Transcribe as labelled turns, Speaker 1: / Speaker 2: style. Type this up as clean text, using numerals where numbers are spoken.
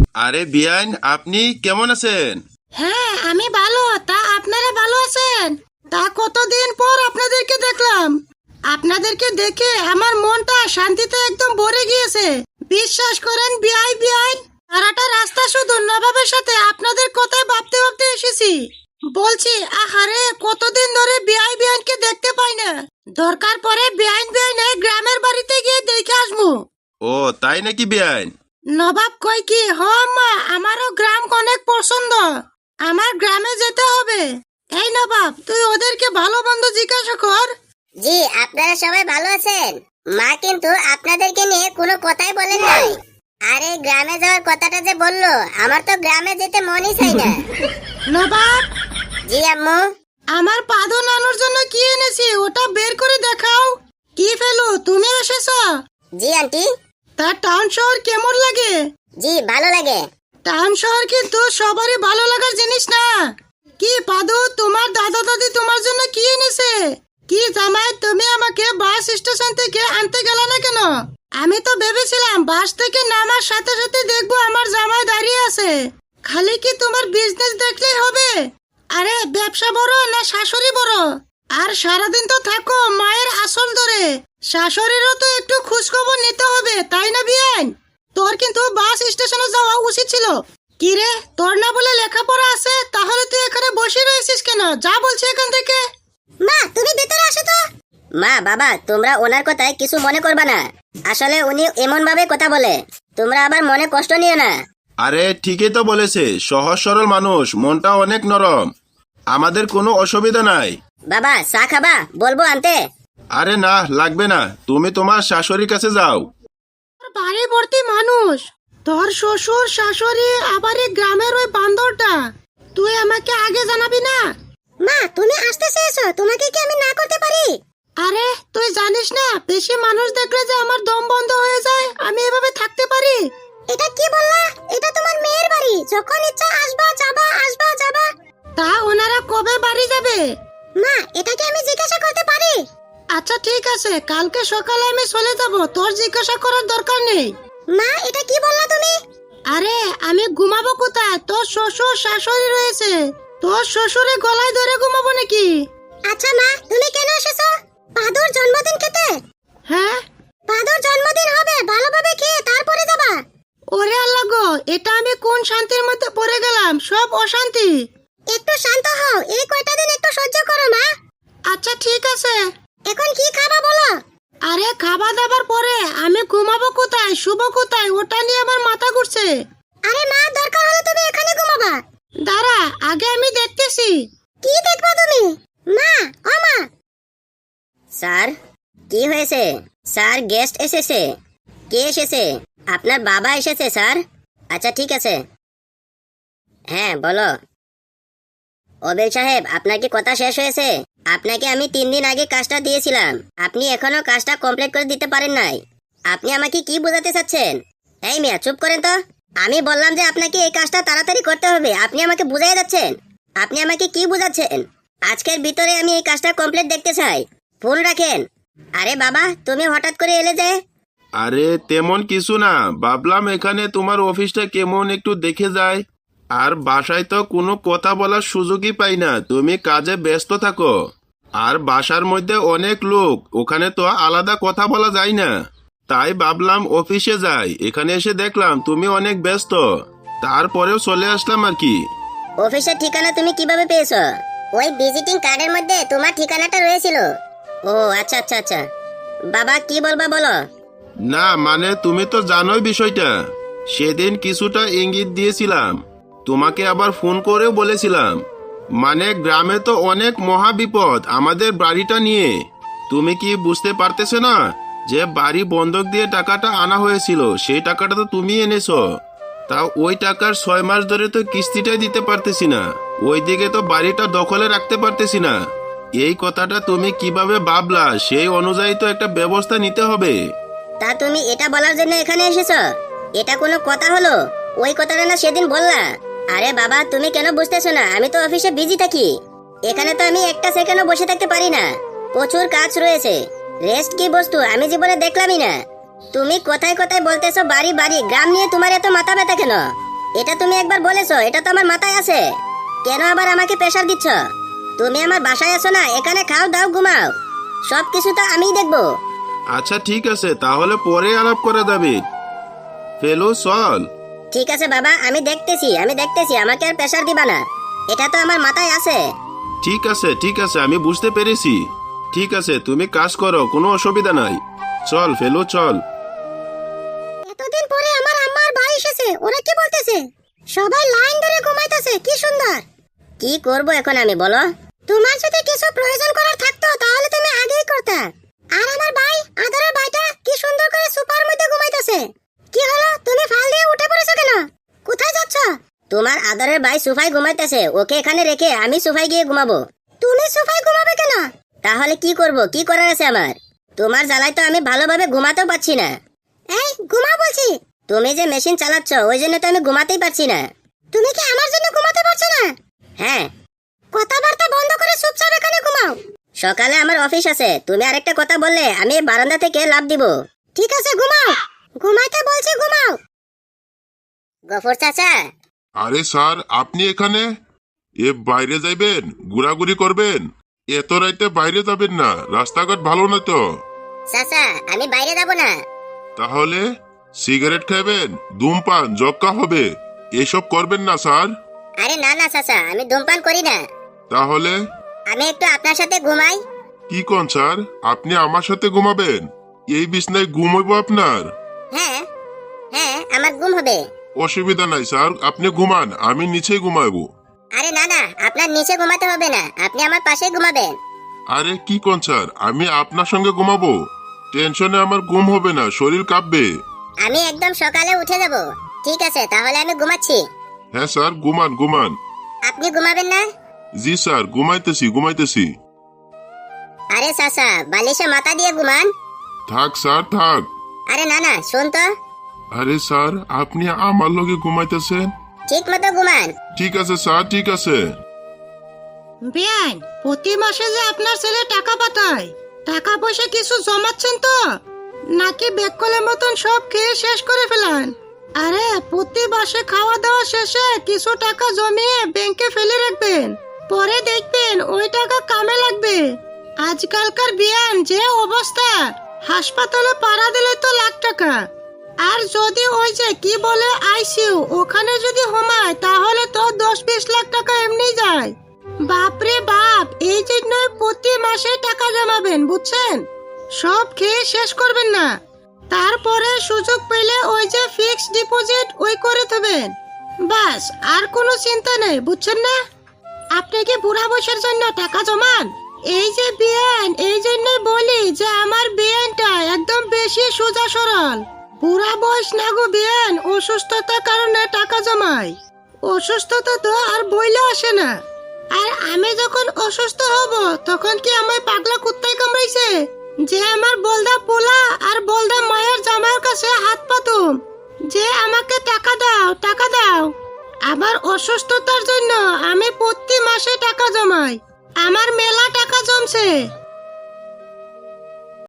Speaker 1: আরে বিয়ান, আপনি কেমন আছেন?
Speaker 2: হ্যাঁ, আমি ভালো। তা আপনারা ভালো আছেন? তা কতদিন পর আপনাদেরকে দেখলাম। আপনাদেরকে দেখে আমার মনটা শান্তিতে একদম ভরে গিয়েছে। বিশ্বাস করেন বিআই বিআই, সারাটা রাস্তা শুধু নবাবের সাথে আপনাদের কথাই ভাবতে ভাবতে এসেছি। বলছি আহারে, কতদিন ধরে বিআই বিআইনকে দেখতে পাই না। দরকার পড়ে বিআইন বিআইনে গ্রামের বাড়িতে গিয়ে দেখে আসবো।
Speaker 1: ও তাই নাকি বিয়ান?
Speaker 2: নবাব কই কি, হ আম্মা, আমারও গ্রাম অনেক পছন্দ। আমার গ্রামে যেতে হবে। এই নবাব, তুই ওদেরকে ভালো মন্দ জিজ্ঞাসা কর।
Speaker 3: জি, আপনারা সবাই ভালো আছেন? মা কিন্তু আপনাদেরকে নিয়ে কোনো কথাই বলেন নাই। আরে গ্রামে যাওয়ার কথাটা যে বললো, আমার তো গ্রামে যেতে মনই চাই না।
Speaker 2: নবাব,
Speaker 3: জি আম্মু।
Speaker 2: আমার পাদো নানুর জন্য কি এনেছি ওটা বের করে দেখাও। কি ফেলু, তুমি এসেছো?
Speaker 3: জি আন্টি।
Speaker 2: তার টাউন শহর কেমন লাগে?
Speaker 3: জি ভালো লাগে।
Speaker 2: টাউন শহর কিন্তু সবারই ভালো লাগার জিনিস না। কি পাদু, তোমার দাদা দাদি তোমার জন্য কি এনেছে? কি জামাই, তুমি আমাকে বাস স্টেশন থেকে আনতে গেলে না কেন? আমি তো ভেবেছিলাম বাস থেকে নামার সাথে সাথে দেখবো আমার জামাই দাঁড়িয়ে আছে। খালি কি তোমার বিজনেস দেখলেই হবে? আরে ব্যবসা বড় না শাশুড়ি বড়? আর সারাদিন তো থাকো মায়ের আসল ধরে। শাশুড়িরও তো একটু খোঁজখবর নিতে হবে, তাই না বিয়ান? তোর কিন্তু বাস স্টেশনে যাওয়া উচিত ছিল। কি রে, তোর না বলে লেখাপড়া আছে, তাহলে তুই এখানে বসে রয়েছিস কেন? যা বলছি এখান থেকে।
Speaker 3: মা তুমি ভেতরে আসো তো। মা বাবা, তোমরা ওনার কথায় কিছু মনে করবা না। আসলে উনি এমন ভাবে কথা বলে, তোমরা আবার মনে কষ্ট নিও না।
Speaker 1: আরে ঠিকই তো বলেছে, সহজ সরল মানুষ, মনটা অনেক নরম। আমাদের কোনো অসুবিধা নাই।
Speaker 3: বাবা চা খাবা? বলবো আনতে?
Speaker 1: আরে না, লাগবে না, তুমি তোমার শাশুড়ির কাছে যাও।
Speaker 2: বাড়ি ভর্তি মানুষ, তোর শ্বশুর শাশুড়ি, আবার এই গ্রামের ওই বান্দরটা। তুই আমাকে আগে জানাবি না?
Speaker 3: মা তুমি আসতে চেয়েছো, তোমাকে কি আমি না করতে পারি?
Speaker 2: আরে তুই জানিস না, বেশি মানুষ দেখলে যে আমার দম বন্ধ হয়ে যায়। আমি এভাবে থাকতে পারি?
Speaker 3: এটা কি বললা? এটা তোমার মেয়ের বাড়ি, যখন ইচ্ছা আসবা যাবা, আসবা যাবা।
Speaker 2: তা ওনারা কবে বাড়ি যাবে?
Speaker 3: মা এটা কি আমি জিজ্ঞাসা করতে পারি?
Speaker 2: আচ্ছা ঠিক আছে, কালকে সকালে আমি চলে যাব, তোর জিজ্ঞাসা করার দরকার নেই।
Speaker 3: মা এটা কি বললা তুমি?
Speaker 2: আরে আমি ঘুমাবো কোথায়? তোর শ্বশুর শাশুড়ি রয়েছে, তোর শ্বশুরে গলায় ধরে ঘুমাবো নাকি?
Speaker 3: আচ্ছা মা, তুমি কেন এসেছো? পাদুর জন্মদিন খেতে?
Speaker 2: হ্যাঁ,
Speaker 3: পাদুর জন্মদিন হবে, ভালোভাবে খেয়ে তারপরে যাবা।
Speaker 2: ওরে আল্লাহ গো, এটা আমি কোন শান্তির মধ্যে পড়ে গেলাম, সব অশান্তি।
Speaker 3: একটু শান্ত হও, এই কয়টা দিন একটু সহ্য করো মা।
Speaker 2: আচ্ছা ঠিক আছে।
Speaker 3: এখন কি খাবা বলো?
Speaker 2: আরে খাওয়া দাবার পরে আমি ঘুমাবো কোথায়, শুবো কোথায়, ওটা নিয়ে আমার মাথা ঘুরছে।
Speaker 3: আরে মা, দরকার হলে তুমি এখানে ঘুমাবা।
Speaker 2: দাঁড়া, আগে আমি দেখতেছি।
Speaker 3: কি দেখবা তুমি? মা, ও মা। স্যার কি হয়েছে? স্যার গেস্ট এসেছে। কে এসেছে? আপনার বাবা এসেছে স্যার। আচ্ছা ঠিক আছে। হ্যাঁ বলো। ওবেল সাহেব, আপনার কি কথা শেষ হয়েছে? আপনাকে আমি 3 দিন আগে কাজটা দিয়েছিলাম, আপনি এখনো কাজটা কমপ্লিট করে দিতে পারেন নাই। আপনি আমাকে কি বোঝাতে চাচ্ছেন? এই মিয়া চুপ করেন তো। আমি বললাম যে আপনাকে এই কাজটা তাড়াতাড়ি করতে হবে, আপনি আমাকে বুঝাই যাচ্ছেন। আপনি আমাকে কি বোঝাচ্ছেন? আজকের ভিতরে আমি এই কাজটা কমপ্লিট দেখতে চাই। ফোন রাখেন। আরে বাবা, তুমি হঠাৎ করে এলে যে?
Speaker 1: আরে তেমন কিছু না, ভাবলাম এখানে তোমার অফিসটা কেমন একটু দেখে যায়। আর বাসায় তো কোনো কথা বলার সুযোগই পাই না, তুমি কাজে ব্যস্ত থাকো। আর বাসার মধ্যে অনেক লোক, ওখানে তো আলাদা কথা বলা যায় না। তাই ভাবলাম অফিসে যাই, এখানে এসে দেখলাম তুমি অনেক ব্যস্ত, তারপরেও চলে আসলাম আর কি।
Speaker 3: অফিসের ঠিকানা তুমি কিভাবে পেয়েছো? ওই ভিজিটিং কার্ডের মধ্যে তোমার ঠিকানাটা রয়েছিল। ও আচ্ছা আচ্ছা আচ্ছা। বাবা কি বলবা বলো।
Speaker 1: না মানে তুমি তো জানোই বিষয়টা, সেদিন কিছুটা ইঙ্গিত দিয়েছিলাম, তোমাকে আবার ফোন করেও বলেছিলাম। মানে গ্রামে তো অনেক মহা বিপদ আমাদের বাড়িটা নিয়ে। তুমি কি বুঝতে পারতেছো না যে বাড়ি বন্ধক দিয়ে টাকাটা আনা হয়েছিল, সেই টাকাটা তো তুমি এনেছো। তাও ওই টাকার 6 মাস ধরে তো কিস্তিটাই দিতে পারতেছি না, ওইদিকে তো বাড়িটা দখলে রাখতে পারতেছি না। এই কথাটা তুমি কিভাবে ভাবলা, সেই অনুযায়ী তো একটা ব্যবস্থা নিতে হবে।
Speaker 3: তা তুমি এটা বলার জন্য এখানে এসেছো? এটা কোনো কথা হলো? ওই কথাটা না সেদিন বললা। আরে বাবা, তুমি কেন বুঝতেছো না? আমি তো অফিসে বিজি থাকি, এখানে তো আমি একটা সেকেন্ডও বসে থাকতে পারি না, প্রচুর কাজ রয়েছে। রেস্ট কি বস্তু আমি জীবনে দেখলামই না। তুমি কোথায় কোথায় বলতেছো বাড়ি বাড়ি, গ্রাম নিয়ে তোমার এত মাথা ব্যথা কেন? এটা তুমি একবার বলেছো, এটা তো আমার মাথায় আছে। কেন আবার আমাকে প্রেসার দিচ্ছ? তুমি আমার বাসায় আছো না, এখানে খাও দাও ঘুমাও, সব কিছু তো আমিই দেখবো।
Speaker 1: আচ্ছা ঠিক আছে, তাহলে পরে আলাপ করা যাবে। ফেলু চল।
Speaker 3: ঠিক আছে বাবা, আমি দেখতেছি, আমাকে আর প্রেসার দিবা না, এটা তো আমার মাথায় আছে।
Speaker 1: ঠিক আছে, আমি বুঝতে পেরেছি। ঠিক আছে, তুমি কাজ করো, কোনো অসুবিধা নাই। চল ফেলু চল।
Speaker 3: এতদিন পরে আমার আম্মা আর ভাই এসেছে, ওরা কি বলতেছে? সবাই লাইন ধরে ঘুমাইতেছে, কি সুন্দর। কি করব এখন আমি, বলো? তোমার যদি কিছু প্রয়োজন করার থাকতো তাহলে তুমি আগেই করতে। আর আমার ভাই, আদরের ভাইটা কি সুন্দর করে সোফার মধ্যে ঘুমাইতেছে। কি হলো, তুমি ফাল দিয়ে উঠে পড়েছো কেন? কোথায় যাচ্ছ? তোমার আদরের ভাই সোফায় ঘুমাইতেছে, ওকে এখানে রেখে আমি সোফায় গিয়ে ঘুমাবো। তুমি সোফায় ঘুমাবে কেন? তাহলে কি করব, কি করার আছে আমার? তোমার জ্বালায় তো আমি ভালোভাবে ঘুমাতেও পারছি না। এই ঘুমা বলছি। তুমি যে মেশিন চালাচ্ছ ওই জন্য তো আমি ঘুমাতেই পারছি না। তুমি কি আমার জন্য ঘুমাতে পারছো না? হ্যাঁ। কথাবার্তা বন্ধ করে চুপচাপ এখানে ঘুমাও। সকালে আমার অফিস আছে, তুমি আরেকটা কথা বললে আমি বারান্দা থেকে লাফ দিব। ঠিক আছে ঘুমাও, ঘুমাইতে বলছি ঘুমাও। গফর চাচা।
Speaker 4: আরে স্যার, আপনি এখানে? বাইরে যাইবেন, ঘোরাঘুরি করবেন? এত রাইতে বাইরে যাবেন না, রাস্তাঘাট ভালো না তো।
Speaker 3: চাচা আমি বাইরে যাব না।
Speaker 4: তাহলে সিগারেট খাবেন, ধূমপান জক্কা হবে, এসব করবেন না স্যার।
Speaker 3: আরে না না চাচা, আমি ধূমপান করি না।
Speaker 4: তাহলে
Speaker 3: আমি একটু আপনার সাথে ঘুমাই।
Speaker 4: কি কোন স্যার, আপনি আমার সাথে ঘুমাবেন? এই বিছনায় ঘুম হইব আপনার?
Speaker 3: হ্যাঁ হ্যাঁ, আমার ঘুম হবে।
Speaker 4: অসুবিধা নাই স্যার, আপনি ঘুমান, আমি নিচে ঘুমাবো।
Speaker 3: আরে না না, আপনার নিচে ঘুমাতে হবে না, আপনি আমার পাশে ঘুমাবেন।
Speaker 4: আরে কি কোন স্যার, আমি আপনার সঙ্গে ঘুমাবো? টেনশনে আমার ঘুম হবে না, শরীর কাঁপবে।
Speaker 3: আমি একদম সকালে উঠে যাব। ঠিক আছে, তাহলে আমি ঘুমাচ্ছি।
Speaker 4: হ্যাঁ স্যার, ঘুমান ঘুমান।
Speaker 3: আপনি ঘুমাবেন না?
Speaker 4: জি স্যার, ঘুমাইতেছি।
Speaker 3: আরে চাচা, বালিশে মাথা দিয়ে ঘুমান।
Speaker 4: থাক স্যার থাক।
Speaker 3: আরে না না, শুন তো।
Speaker 4: আরে স্যার, আপনি আমার লগে ঘুমাইতেছেন?
Speaker 3: ঠিক মতো ঘুমান।
Speaker 4: ঠিক আছে স্যার, ঠিক আছে।
Speaker 2: বেআইন, প্রতি মাসে যে আপনার ছেলে টাকা পাঠায়, টাকা পয়সা কিছু জমাচ্ছেন তো, নাকি বেককলের মতন সব খেয়ে শেষ করে ফেলান? আরে প্রতি মাসে খাওয়া দাওয়া শেষে কিছু টাকা জমিয়ে ব্যাংকে ফেলে রাখবেন, পরে দেখবেন ওই টাকা কামে লাগবে। আজকালকার বেআইন যে অবস্থা, হাসপাতালে পাড়া দিলে তো লাখ টাকা, আর যদি ওই যে কি বলে আইসিইউ, ওখানে যদি হোমায় তাহলে তো 10-20 লাখ টাকা এমনি যায়। বাপরে বাপ, এই জন্যই প্রতি মাসে টাকা জমাবেন, বুঝছেন? সব খেয়ে শেষ করবেন না, তারপরে সুযোগ পেলে ওই যে ফিক্সড ডিপোজিট ওই করে দেবেন, বাস। আর কোনো চিন্তা নেই, বুঝছেন না? আপনি কি বুড়া বয়সের জন্য টাকা জমান? এই যে বিয়ান, এই জন্যই বলি যে আমার বিয়ানটা একদম বেশি সোজা সরল। বুড়া বয়স না গো বিয়ান, অসুস্থতার কারণে টাকা জমায়। অসুস্থতা তো আর বইলে আসে না। আর আমি যখন অসুস্থ হব তখন কি আমায় পাগলা কুত্তায় কামড়াইছে যে আমার বলদা পোলা আর বলদা মায়ের জামাইয়ের কাছে হাত পাতুম যে আমাকে টাকা দাও টাকা দাও? আমার অসুস্থতার জন্য আমি প্রতি মাসে টাকা জমাই, আমার মেলা টাকা জমছে।